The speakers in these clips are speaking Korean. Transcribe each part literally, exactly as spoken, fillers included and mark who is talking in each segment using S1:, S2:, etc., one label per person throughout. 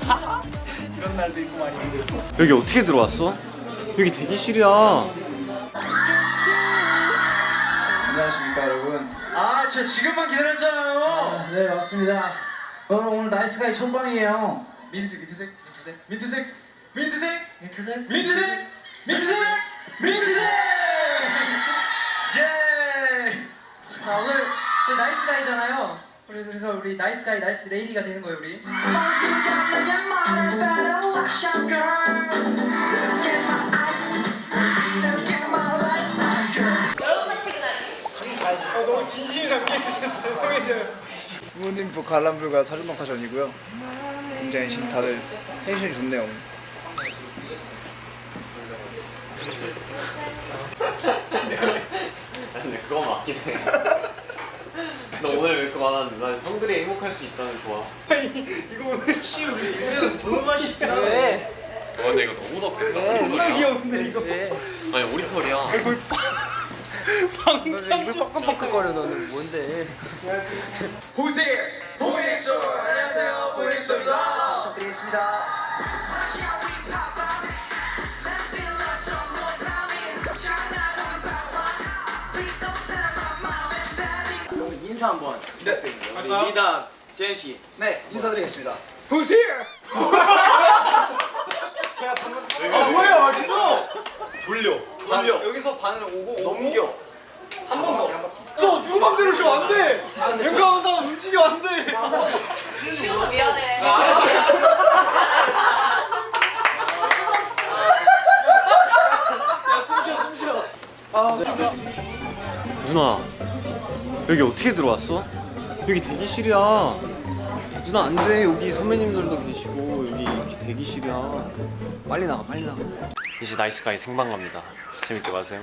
S1: 그런 날도 있고 많이 힘들고.
S2: 여기 어떻게 들어왔어? 여기 대기실이야.
S1: 안녕하십니까 여러분.
S3: 아, 저 지금만 기다렸잖아요.
S1: 아, 네 맞습니다. 여러분 오늘 나이스가이 첫방이에요.
S3: 민트색, 민트색, 민트색, 민트색, 민트색,
S1: 민트색?
S3: 민트색, 민트색, 민트색. 예.
S4: 자 오늘 저희 나이스가이잖아요. 그래서 그래서 우리 나이스가이 나이스 레이디가 되는 거예요 우리.
S5: 어, 너무 진심이 담겨 있으셔서 죄송해져요.
S1: 부모님 관람불가 사준방사전이고요. 굉장히 지금 다들 텐션이 좋네요.
S2: 근데 그거 맞긴 해. 너 오늘 왜 그거 안 하는데? 난 형들이 행복할 수 있다는 좋아.
S5: 이거 오늘 씨 우리 이제는 너무 맛있다.
S4: 왜?
S2: 어, 근데 이거 너무 덥겠다.
S5: 겁나 귀여운데 이거.
S4: 왜?
S2: 아니 우리 털이야.
S4: 입을 뻑뻑뻑거려 너는 뭔데?
S3: Who's here? 보이엑소. 안녕하세요, 보이엑소입니다.
S1: 부탁드리겠습니다.
S5: 인사 한번. 네. 우리 리더 재현 씨.
S1: 네 인사드리겠습니다.
S5: Who's here?
S1: 제가 방금
S5: 아 뭐야 이거?
S2: 돌려.
S5: 돌려.
S2: 여기서 반을 오고
S5: 넘겨.
S1: 한 번 더.
S5: 저 누구 맘대로 쉬면 안 돼.
S1: 아, 근데 저-
S5: 앵간하다 움직여 안 돼.
S6: 쉬워서 미안해.
S5: 숨쉬어 숨쉬어.
S2: 누나 여기 어떻게 들어왔어? 여기 대기실이야. 누나 안 돼. 여기 선배님들도 계시고 여기 이렇게 대기실이야. 빨리 나가 빨리 나가. 이제 나이스가이 생방 갑니다. 재밌게 봐세요.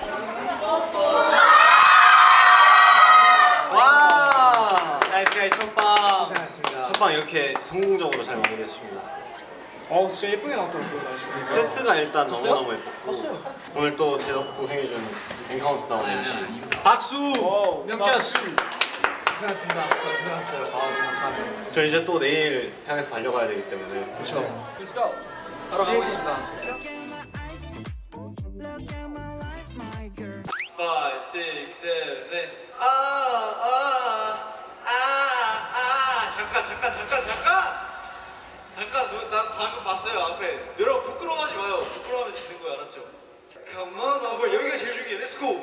S2: 와 나이스가이 첫방.
S1: 고생하셨습니다.
S2: 첫방 이렇게 성공적으로 잘 마무리했습니다.
S5: 어 진짜 예쁘게 나왔더라고요 날씨.
S2: 세트가 일단 너무너무 예뻤고
S5: 봤어요.
S2: 오늘 또 제가 고생해준 엔카운트다운 엠씨
S5: 박수. 명자수.
S1: 고생하셨습니다. 고생하셨어요. 아 너무 감사합니다.
S2: 저 이제 또 내일 향해서 달려가야 되기 때문에
S1: 그렇죠.
S5: Let's go.
S1: 바로 가보겠습니다.
S3: five, six, seven, eight. 아, 아, 아, 아. 잠깐, 잠깐, 잠깐, 잠깐. 잠깐, 너, 나 방금 봤어요 앞에. 여러분 부끄러워하지 마요. 부끄러워하면 지는 거야, 알았죠? Come on over. 여기가 제일 중요해. Let's go.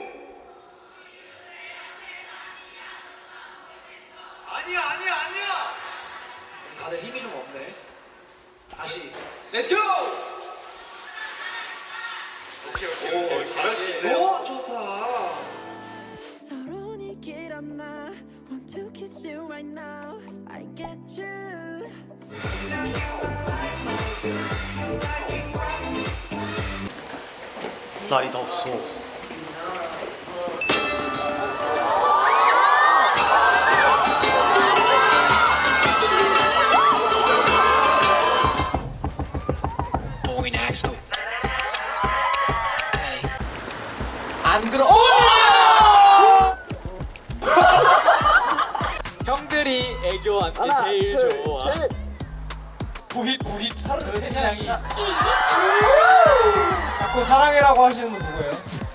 S3: 아니야, 아니야, 아니야.
S1: 다들 힘이 좀 없네.
S3: 다시. Let's go. 오케이, 오케이, 오케이.
S2: 오, 잘할 수 있네요.
S3: 오, 좋다.
S7: 서론이 길었나 Want to kiss you right now I get you
S2: 날이 덥소.
S5: 안 들어. 형들이 애교한테 제일 좋아. 부잇 부잇 사랑의 태양이. 자꾸 사랑해라고 하시는 분 누구예요?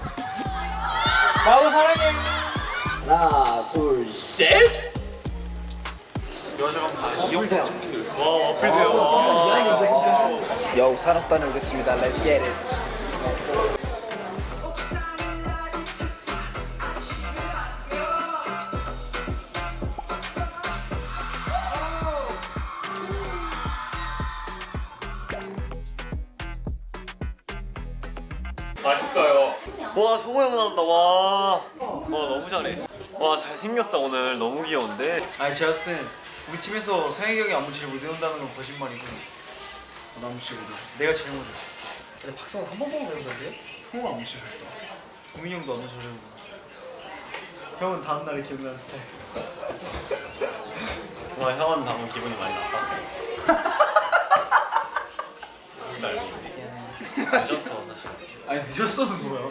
S5: 나도 사랑해.
S1: 하나 둘 셋.
S2: 여자방 다
S1: 어플대요.
S2: 와 어플돼요.
S1: 여우 산업 다녀오겠습니다. Let's get it.
S2: 맛있어요. 와 성호 형 나온다. 와. 와 너무 잘해. 와 잘생겼다 오늘. 너무 귀여운데.
S3: 아니 제가 봤을 땐 우리 팀에서 상혁이 형이 안무치를 못 외운다는 건 거짓말이고 나 안무치거든. 내가 제일 못해.
S4: 근데 박성호 한 번 보면 배우던데요?
S3: 성우가 안무치 했다. 동민이 형도 안무 잘 외우고. 형은 다음날에 기억나는 스타일.
S2: 와 형은 방금 기분이 많이 나빴어. 늦었어 사실.
S3: 아니 늦었어는 뭐야?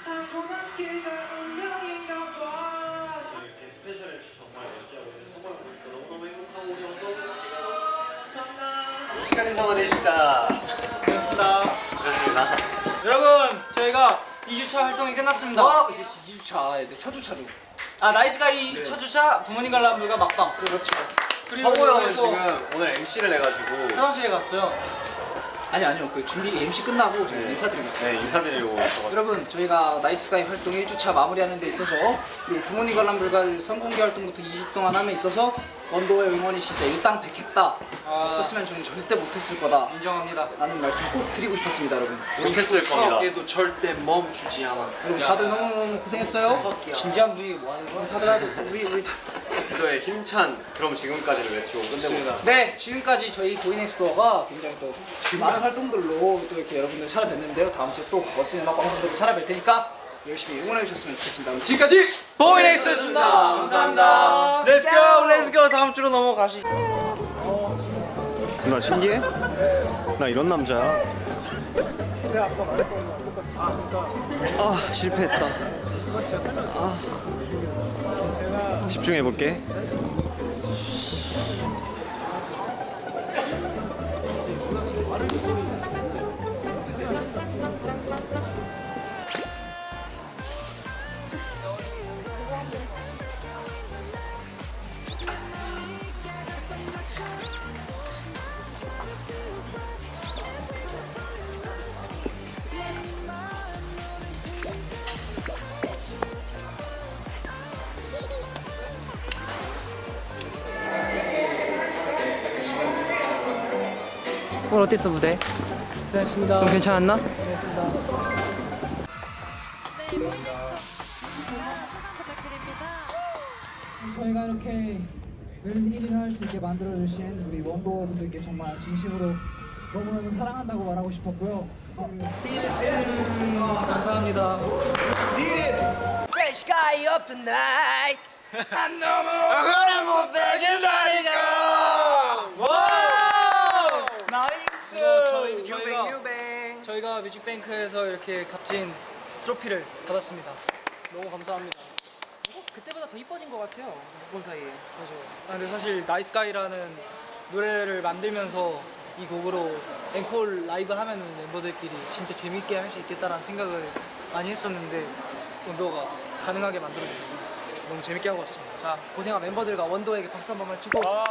S2: 이렇게 스페셜 엠씨 정말 멋있게 하고 있는데 성호 형 보니까 너무너무 행복하고 우리 언더도 느끼면서 감사합니다. 시간 인사만 해주시다.
S5: 반갑습니다.
S2: 반갑습니다.
S5: 여러분, 저희가 이 주차 활동이 끝났습니다.
S4: 어, 이제 이 주차, 첫 주차죠.
S5: 아, 나이스가이 첫 주차 부모님 관람불가 막방.
S4: 그렇죠.
S5: 그리고
S2: 성호 형은
S5: 또
S2: 지금 오늘 엠씨를 해가지고
S5: 화장실에 갔어요.
S4: 아니 아니요, 그 준비 엠씨 끝나고 지금
S2: 네.
S4: 인사드리고 있어요.
S2: 네 인사드리려고 왔어가지고.
S4: 여러분, 저희가 나이스가이 활동 일 주차 마무리하는 데 있어서 그리고 부모님 관람 불가를 선공개 활동부터 이 주 동안 함에 있어서 원도의 응원이 진짜 일당백했다.
S5: 아.
S4: 없었으면 저는 절대 못했을 거다
S5: 인정합니다.
S4: 라는 말씀 꼭 드리고 싶었습니다, 여러분.
S2: 못했을 겁니다.
S5: 도 절대 멈추지 않아.
S4: 여러분 다들 너무너무 고생했어요.
S5: 진지한 분위기 뭐 하는 거야?
S4: 다들 다들 우리 우리 다.
S2: 너의 힘찬 그럼 지금까지를 외치고 끝내봅니다.
S4: 네, 지금까지 저희 보이넥스도어가 굉장히 또 많은 활동들로 또 이렇게 여러분들 찾아뵀는데요. 다음 주에 또 멋진 음악 방송들로 찾아뵐 테니까 열심히 응원해 주셨으면 좋겠습니다. 지금까지
S5: 보이넥스였습니다. 감사합니다.
S2: Let's go, let's go. 다음 주로 넘어가시. 나 신기해? 나 이런 남자야. 아 실패했다. 아 집중해 볼게.
S4: 오늘 어땠어 무대?
S5: 고생했습니다.
S4: 그럼 괜찮았나?
S6: 네, 보이넥스도 소감 부탁드립니다.
S8: 저희가 이렇게 일 위를 할 수 있게 만들어주신 우리 원더분들께 정말 진심으로 너무너무 사랑한다고 말하고 싶었고요.
S5: 감사합니다.
S4: Fresh guy up tonight.
S5: 나이스. 저희 저희가 저희가 뮤직뱅크에서 이렇게 값진 트로피를 받았습니다. 너무 감사합니다. 그때보다 더 이뻐진 것 같아요. 못 본 사이에. 맞아. 아, 근데 사실 나이스가이라는 노래를 만들면서 이 곡으로 앵콜 라이브 하면은 멤버들끼리 진짜 재밌게 할 수 있겠다라는 생각을 많이 했었는데 원더가 가능하게 만들어주셔서 너무 재밌게 하고 왔습니다.
S4: 자, 고생한 멤버들과 원더에게 박수 한 번만 치고
S5: 아,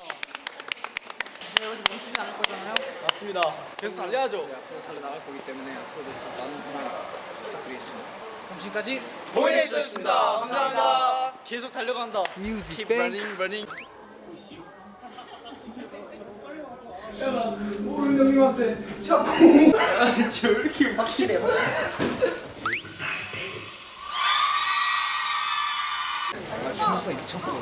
S4: 여기서 멈추지 않을 거잖아요.
S5: 맞습니다. 계속 달려야죠.
S4: 네, 앞으로 달려나갈 거기 때문에 앞으로도 계속 많은 사랑 부탁드리겠습니다. 그럼 지금까지
S5: 보이넥스였습니다. 감사합니다. 계속 달려간다.
S4: 뮤직
S5: running, running.
S4: 확실해, 확실해. 중독성이 미쳤어.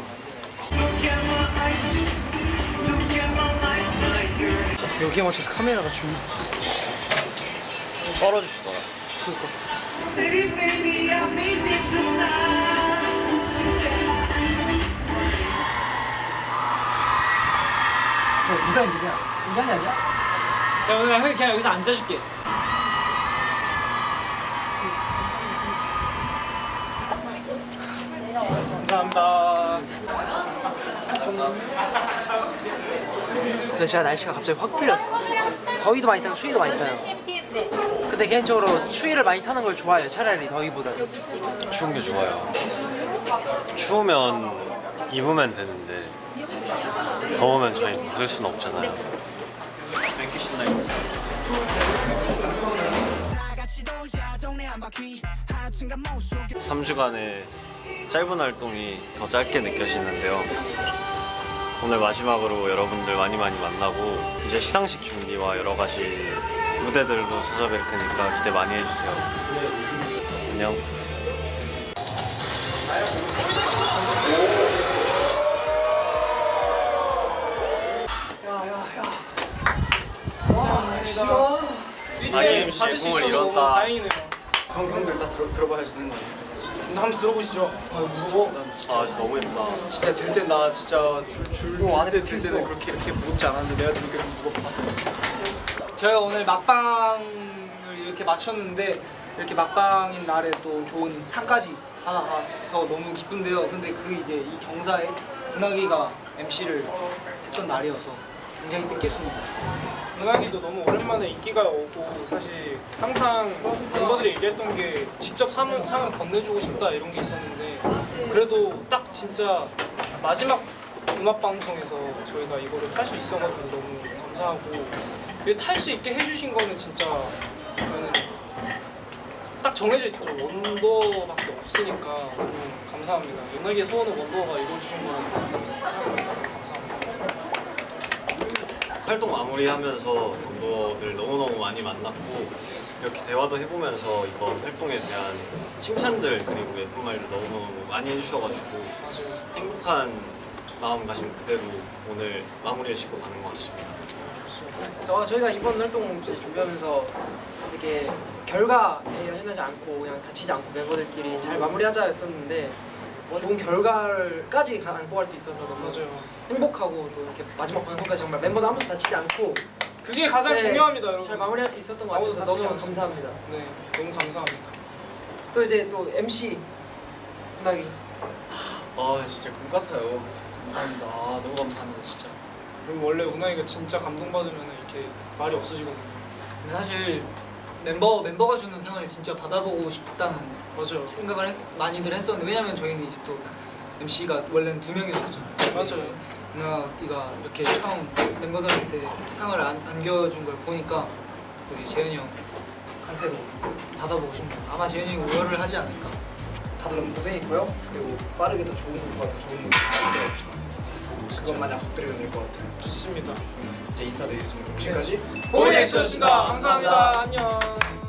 S4: 여기에 맞춰서 카메라가 줌.
S2: 떨어주시더라.
S4: 어, 미간 미간. 미간이 아니야?
S5: 야, 오늘 형이 그냥 여기서 앉아줄게. 감사합니다.
S9: 근데 제가 날씨가 갑자기 확 풀렸어. 더위도 많이 타고 추위도 많이 타요. 근데 개인적으로 추위를 많이 타는 걸 좋아해요. 차라리 더위보다는.
S2: 추운 게 좋아요. 추우면 입으면 되는데 더우면 저희 벗을 수는 없잖아요. 뱅키 신나요. 삼 주간의 짧은 활동이 더 짧게 느껴지는데요. 오늘 마지막으로 여러분들 많이 많이 만나고 이제 시상식 준비와 여러 가지 무대들도 찾아뵐 테니까 기대 많이 해주세요. 안녕. 아기 엠씨 공을 잃었다.
S5: 다행이네요. 형, 형들 다 들어, 들어봐야지 되는 거 아니에요? 진짜. 한번 들어보시죠. 아, 진짜. 난 진짜.
S2: 아 진짜 너무 예쁘다.
S5: 진짜 들 때 나 진짜 줄줄 안에 들 때는 그렇게 이렇게 무겁지 않았는데 내가 들기엔 무겁다. 저희가 오늘 막방을 이렇게 마쳤는데 이렇게 막방인 날에 또 좋은 상까지 하나 가서 너무 기쁜데요. 근데 그 이제 이 경사에 은하기가 엠씨를 했던 날이어서 굉장히 뜻깊습니다. 은하기도 너무 오랜만에 인기가 오고 사실 항상 멤버들이 얘기했던 게 직접 상을, 상을 건네주고 싶다 이런 게 있었는데 그래도 딱 진짜 마지막 음악방송에서 저희가 이거를 탈 수 있어가지고 너무 감사하고 탈 수 있게 해주신 거는 진짜 저는 딱 정해져 있죠. 원더밖에 없으니까 너무 감사합니다. 은하기의 소원을 원더가 이루어주신 거는 생각합니다. 감사합니다.
S2: 활동 마무리하면서 멤버들 너무너무 많이 만났고 이렇게 대화도 해보면서 이번 활동에 대한 칭찬들 그리고 예쁜 말들 너무너무 많이 해주셔가지고 행복한 마음가짐 그대로 오늘 마무리를 짓고 가는 것 같습니다.
S9: 어, 저희가 이번 활동 이제 준비하면서 이렇게 결과에 연연하지 않고 그냥 다치지 않고 멤버들끼리 잘 마무리하자 했었는데 어, 좋은 결과까지 안고 갈 수 있어서 너무
S5: 맞아요.
S9: 행복하고 또 이렇게 마지막 방송까지 정말 멤버들 아무도 다치지 않고
S5: 그게 가장
S9: 네,
S5: 중요합니다, 여러분.
S9: 잘 마무리할 수 있었던 것
S5: 아무도
S9: 같아서
S5: 다치지
S9: 너무
S5: 않습니다.
S9: 감사합니다.
S5: 네, 너무 감사합니다.
S9: 또 이제 또 엠씨 분하기
S2: 아 진짜 꿈 같아요. 감사합니다. 아, 너무 감사합니다 진짜.
S5: 그리고 원래 운하이가 진짜 감동받으면 이렇게 말이 없어지거든요.
S10: 근데 사실 멤버 멤버가 주는 상을 진짜 받아보고 싶다는
S5: 맞아요.
S10: 생각을 했- 많이들 했었는데 왜냐면 저희는 이제 또 엠씨가 원래는 두 명이었잖아요.
S5: 맞아요.
S10: 은하이가 이렇게 처음 멤버들한테 상을 안, 안겨준 걸 보니까 우리 재현이 형한테도 받아보고 싶네요. 아마 재현이 형이 우열을 하지 않을까.
S4: 다들 너무 고생했고요. 그리고 빠르게 더 좋은 것보다 더 좋은 무대 만들어 봅시다. 그것만 약속드리면 될 것 같아요.
S5: 좋습니다.
S4: 이제 인사드리겠습니다. 지금까지
S5: 보이넥스였습니다. 감사합니다. 안녕.